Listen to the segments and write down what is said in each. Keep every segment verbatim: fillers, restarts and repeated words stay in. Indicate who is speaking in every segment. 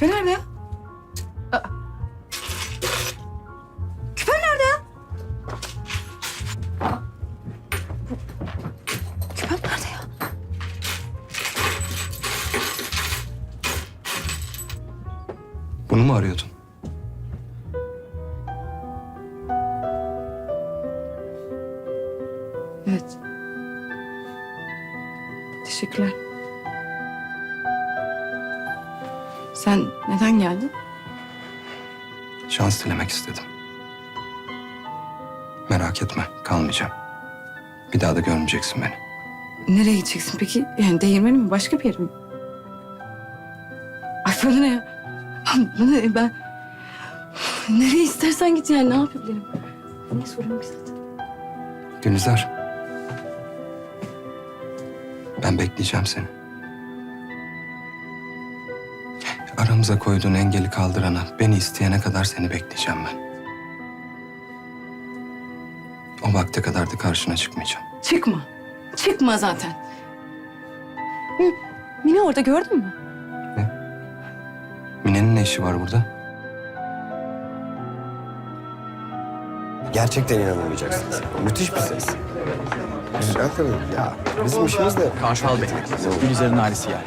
Speaker 1: Küpe nerede ya? Aa. Küpe nerede ya? Aa. Bu- Küpem nerede ya?
Speaker 2: Bunu mu arıyordun?
Speaker 1: Evet. Teşekkürler. Sen neden geldin?
Speaker 2: Şans dilemek istedim. Merak etme, kalmayacağım. Bir daha da görmeyeceksin beni.
Speaker 1: Nereye gideceksin peki? Yani değirmeni mi? Başka bir yere mi? Ay bana ne ya? Bana ne? Ben... Nereye istersen git yani. Ne yapabilirim? Ne sorun ki zaten?
Speaker 2: Gülizar. Ben bekleyeceğim seni. Aramıza koyduğun engeli kaldırana, beni isteyene kadar seni bekleyeceğim ben. O vakte kadar da karşına çıkmayacağım.
Speaker 1: Çıkma. Çıkma zaten. Hı, Mine orada gördün mü?
Speaker 2: Mine'nin ne işi var burada?
Speaker 3: Gerçekten inanamayacaksınız. Müthiş bir ses. Güzel tabii. Ya bizim işimiz de...
Speaker 4: Karşal Bey, Gülizar'ın ailesi geldi.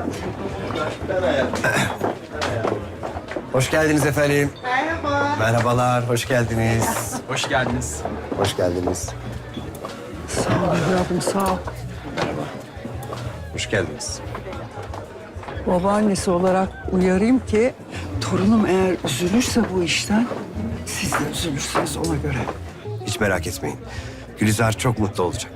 Speaker 3: Hoş geldiniz efendim. Merhaba. Merhabalar, hoş geldiniz.
Speaker 4: Hoş geldiniz.
Speaker 3: Hoş geldiniz.
Speaker 5: Sağ ol evladım, sağ ol.
Speaker 3: Hoş geldiniz.
Speaker 5: Babaannesi olarak uyarayım ki torunum eğer üzülürse bu işten siz de üzülürsünüz ona göre.
Speaker 3: Hiç merak etmeyin. Gülizar çok mutlu olacak.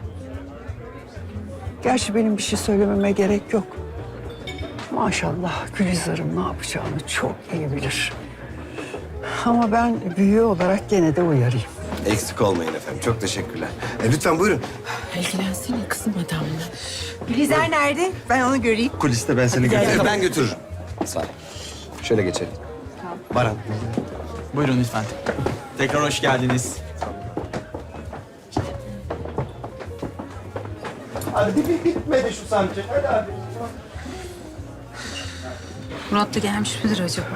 Speaker 5: Gerçi benim bir şey söylememe gerek yok. Maşallah Gülizar'ım ne yapacağını çok iyi bilir. Ama ben büyüğü olarak gene de uyarayım.
Speaker 3: Eksik olmayın efendim. Çok teşekkürler. E, lütfen buyurun.
Speaker 6: İlgilensene kızım adamla.
Speaker 7: Gülizar nerede? Ben onu göreyim.
Speaker 3: Kuliste ben seni götürürüm. Ben götürürüm. Sağ ol. Şöyle geçelim. Baran.
Speaker 4: Buyurun lütfen. Tekrar hoş geldiniz.
Speaker 6: Murat da gelmiş midir acaba?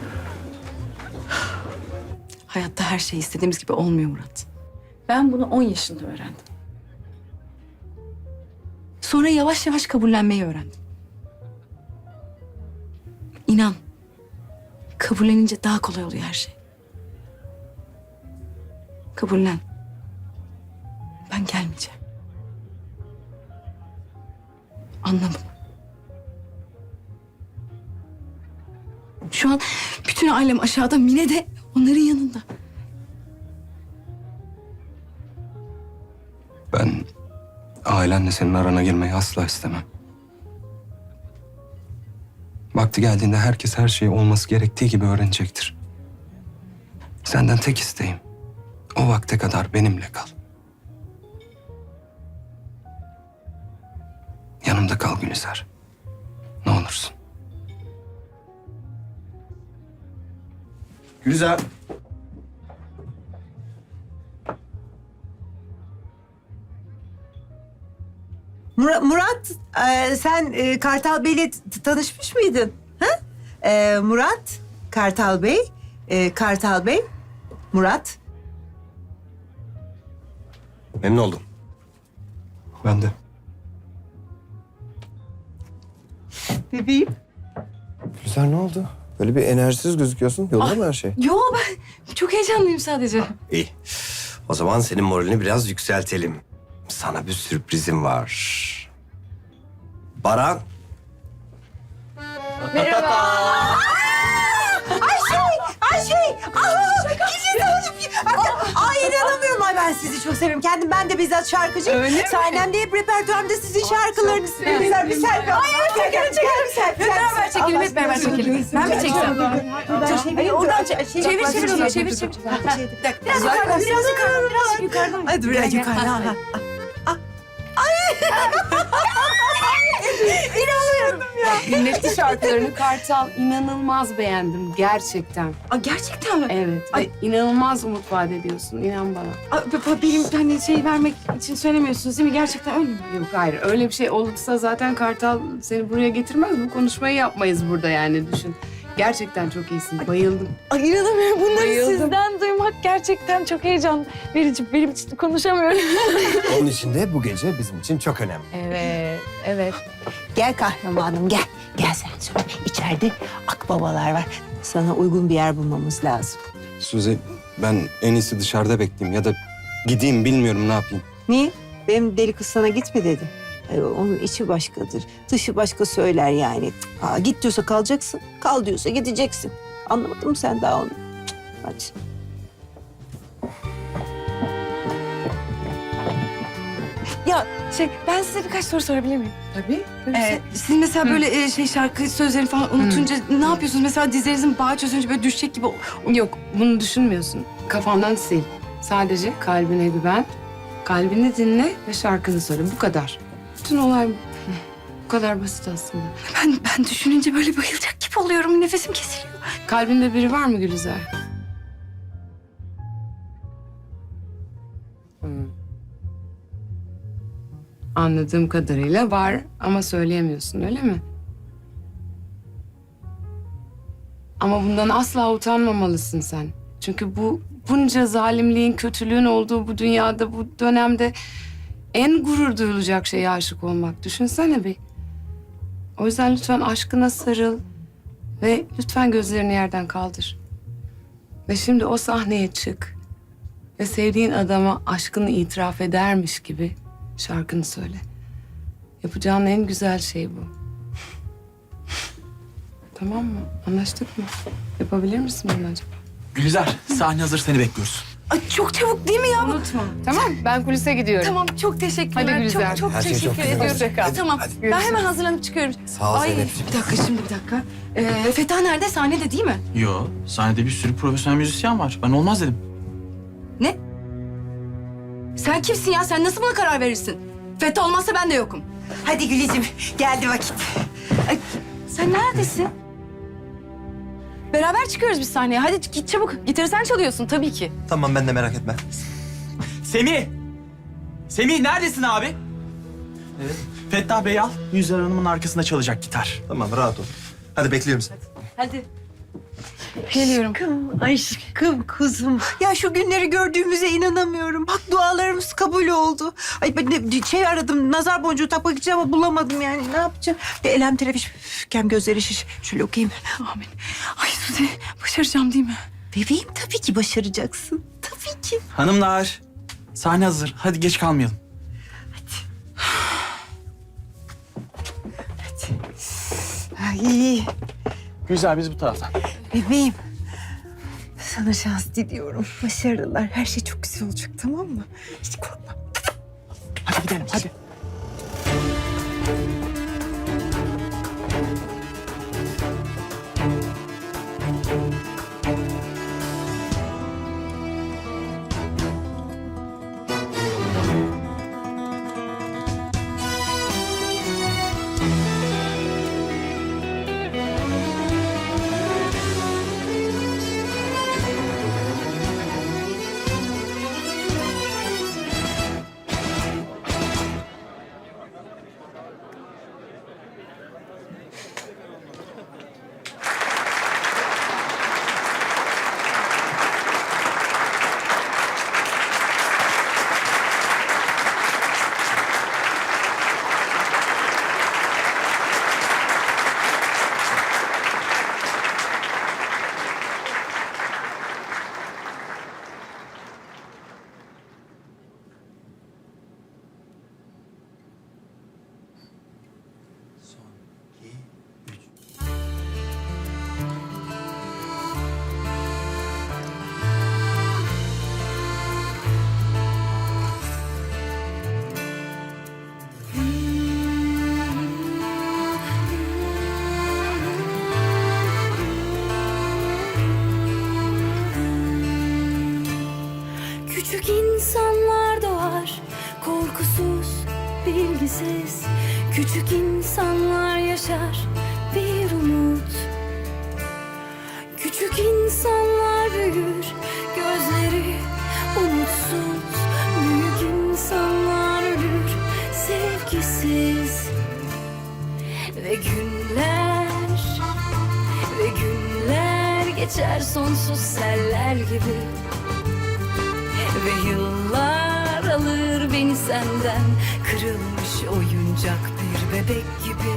Speaker 1: Hayatta her şey istediğimiz gibi olmuyor Murat. Ben bunu on yaşında öğrendim. Sonra yavaş yavaş kabullenmeyi öğrendim. İnan, kabullenince daha kolay oluyor her şey. Kabullen. Ben gelmeyeceğim. Anla bunu. Şu an bütün ailem aşağıda, Mine de onların yanında.
Speaker 2: Ben ailenle senin arana girmeyi asla istemem. Vakti geldiğinde herkes her şeyi olması gerektiği gibi öğrenecektir. Senden tek isteğim, o vakte kadar benimle kal. Yanımda kal Gülizar. Ne olursun.
Speaker 3: Gülizar.
Speaker 7: Murat, Murat e, sen e, Kartal Bey'le t- tanışmış mıydın? Ha? E, Murat, Kartal Bey, e, Kartal Bey, Murat.
Speaker 3: Memnun oldum.
Speaker 2: Ben de.
Speaker 7: Bebeğim.
Speaker 3: Gülizar ne oldu? Böyle bir enerjisiz gözüküyorsun. Yolunda mı her şey?
Speaker 1: Yo, ben çok heyecanlıyım sadece.
Speaker 3: İyi. O zaman senin moralini biraz yükseltelim. Sana bir sürprizim var. Baran.
Speaker 7: Ayşe! Aa, Gülizar Hanım. Ay inanamıyorum. Ay ben sizi çok seviyorum. Kendim ben de bizzat şarkıcıyım. Öyle mi? Sahnemde hep repertuarımda sizin şarkılarınız. Güzel bir selfie. Ay evet çekelim çekelim selfie.
Speaker 1: Hep beraber çekelim, hep beraber çekelim. Ben mi çeksem? Hayır, oradan çevir, çevir, çevir onu, çevir, çevir. Biraz yukarıdan, biraz yukarıdan, biraz yukarıdan.
Speaker 7: Hadi biraz yukarıdan.
Speaker 6: Dinletti şarkılarını Kartal. İnanılmaz beğendim gerçekten.
Speaker 1: Aa, gerçekten mi?
Speaker 6: Evet.
Speaker 1: Ay.
Speaker 6: Ay. İnanılmaz umut vaat ediyorsun. İnan bana.
Speaker 1: Aa, b- b- benim hani şey vermek için söylemiyorsunuz değil mi? Gerçekten öyle mi?
Speaker 6: Yok hayır. Öyle bir şey olursa zaten Kartal seni buraya getirmez. Bu konuşmayı yapmayız burada yani düşün. Gerçekten çok iyisin. Bayıldım.
Speaker 1: Ay inanamıyorum. Bunları
Speaker 6: Bayıldım.
Speaker 1: sizden duymak gerçekten çok heyecan verici. Benim için konuşamıyorum.
Speaker 3: Onun için de bu gece bizim için çok önemli.
Speaker 1: Evet, evet.
Speaker 7: Gel kahramanım gel. Gel sen söyle. İçeride akbabalar var. Sana uygun bir yer bulmamız lazım.
Speaker 2: Suzi, ben en iyisi dışarıda bekleyeyim ya da gideyim, bilmiyorum ne yapayım.
Speaker 7: Niye? Benim deli kız sana gitme dedi. Ay, onun içi başkadır. Dışı başka söyler yani. Aa, git diyorsa kalacaksın. Kal diyorsa gideceksin. Anlamadın mı sen daha onu? Cık, hadi.
Speaker 1: Ya şey, ben size birkaç soru sorabilir miyim?
Speaker 6: Tabii.
Speaker 1: Ee, siz mesela böyle e, şey şarkı sözlerini falan unutunca ne yapıyorsunuz? Mesela dizlerinizin bağı çözünce böyle düşecek gibi...
Speaker 6: Yok, bunu düşünmüyorsun. Kafandan sil. Sadece kalbine güven. Kalbini dinle ve şarkını söyle. Bu kadar. Bütün olay bu. Bu kadar basit aslında.
Speaker 1: Ben, ben düşününce böyle bayılacak gibi oluyorum. Nefesim kesiliyor.
Speaker 6: Kalbinde biri var mı Gülizar? Hmm. Anladığım kadarıyla var ama söyleyemiyorsun, öyle mi? Ama bundan asla utanmamalısın sen. Çünkü bu bunca zalimliğin, kötülüğün olduğu bu dünyada, bu dönemde en gurur duyulacak şeye aşık olmak. Düşünsene bir. O yüzden lütfen aşkına sarıl ve lütfen gözlerini yerden kaldır. Ve şimdi o sahneye çık ve sevdiğin adama aşkını itiraf edermiş gibi şarkını söyle. Yapacağın en güzel şey bu. Tamam mı? Anlaştık mı? Yapabilir misin bunu acaba?
Speaker 4: Gülizar, sahne hazır, seni bekliyoruz.
Speaker 1: Ay çok çabuk değil mi ya?
Speaker 6: Unutma. Tamam, ben kulise gidiyorum.
Speaker 1: Tamam, çok teşekkürler.
Speaker 6: Hadi Gülizar.
Speaker 1: Çok çok
Speaker 3: Her şey
Speaker 1: teşekkür
Speaker 3: çok güzel
Speaker 1: ediyorum.
Speaker 3: olacak. Hadi,
Speaker 1: Tamam,
Speaker 3: hadi.
Speaker 1: ben hemen hazırlanıp çıkıyorum.
Speaker 3: Sağ ol
Speaker 1: Ay,
Speaker 3: Zeynep'ciğim.
Speaker 1: bir dakika şimdi bir dakika. Ee, Feta nerede? Sahnede değil mi?
Speaker 4: Yo, sahnede bir sürü profesyonel müzisyen var. Ben olmaz dedim.
Speaker 1: Sen kimsin ya? Sen nasıl buna karar verirsin? Feta olmazsa ben de yokum.
Speaker 7: Hadi Gülizim geldi vakit.
Speaker 1: Ay, sen neredesin? Beraber çıkıyoruz biz sahneye. Hadi git çabuk. Gitarı sen çalıyorsun tabii ki.
Speaker 8: Tamam ben de merak etme.
Speaker 4: Semih! Semih neredesin abi? Evet. Fettah Bey al, Gülizar Hanım'ın arkasında çalacak gitar.
Speaker 8: Tamam rahat ol. Hadi bekliyorum seni.
Speaker 1: Hadi. Geliyorum.
Speaker 7: Aşkım, aşkım kuzum. Ya şu günleri gördüğümüze inanamıyorum. Bak dualarımız kabul oldu. Ay ben de şey aradım, nazar boncuğu takmak için ama bulamadım yani. Ne yapacağım? Bir elem telefiş, kem gözleri şiş. Şöyle okuyayım.
Speaker 1: Amin. Ay Suzi, başaracağım değil mi?
Speaker 7: Bebeğim tabii ki başaracaksın. Tabii ki.
Speaker 4: Hanımlar, sahne hazır. Hadi geç kalmayalım.
Speaker 7: Ay
Speaker 4: Gülizar biz bu taraftan.
Speaker 7: bebeğim. Sana şans diliyorum. Başarılar. Her şey çok güzel olacak, tamam mı? Hiç korkma.
Speaker 4: Hadi gidelim, hadi.
Speaker 9: Küçük insanlar doğar, korkusuz, bilgisiz. Küçük insanlar yaşar bir umut. Küçük insanlar büyür, gözleri umutsuz. Büyük insanlar ölür, sevgisiz. Ve günler, ve günler geçer sonsuz seller gibi. Ve yıllar alır beni senden, kırılmış oyuncak bir bebek gibi.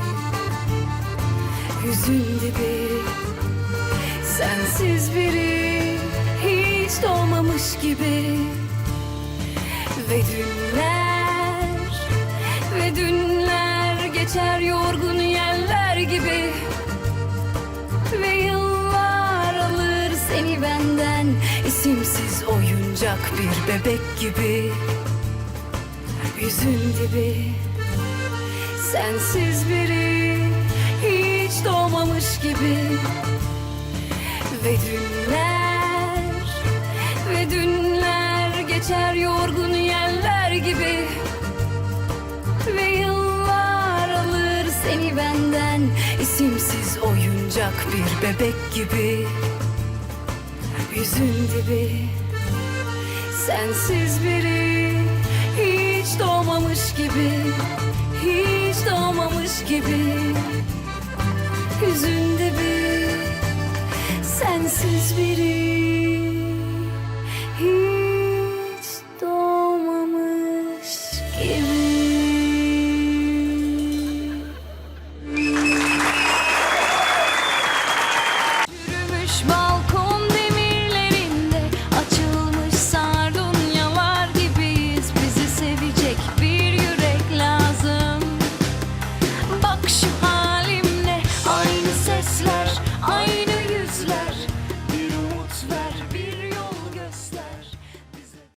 Speaker 9: Hüzün dibi, sensiz biri, hiç doğmamış gibi. Ve dünler, ve dünler geçer yorgun yeller gibi. Ve yıllar alır seni benden, isimsiz oyuncak bir bebek gibi. Yüzün dibi, sensiz biri, hiç doğmamış gibi. Ve dünler, ve dünler geçer yorgun yeller gibi. Ve yıllar alır seni benden, isimsiz oyuncak bir bebek gibi. Yüzün dibi, sensiz biri, hiç doğmamış gibi. Hiç doğmamış gibi. Yüzün dibi, sensiz biri.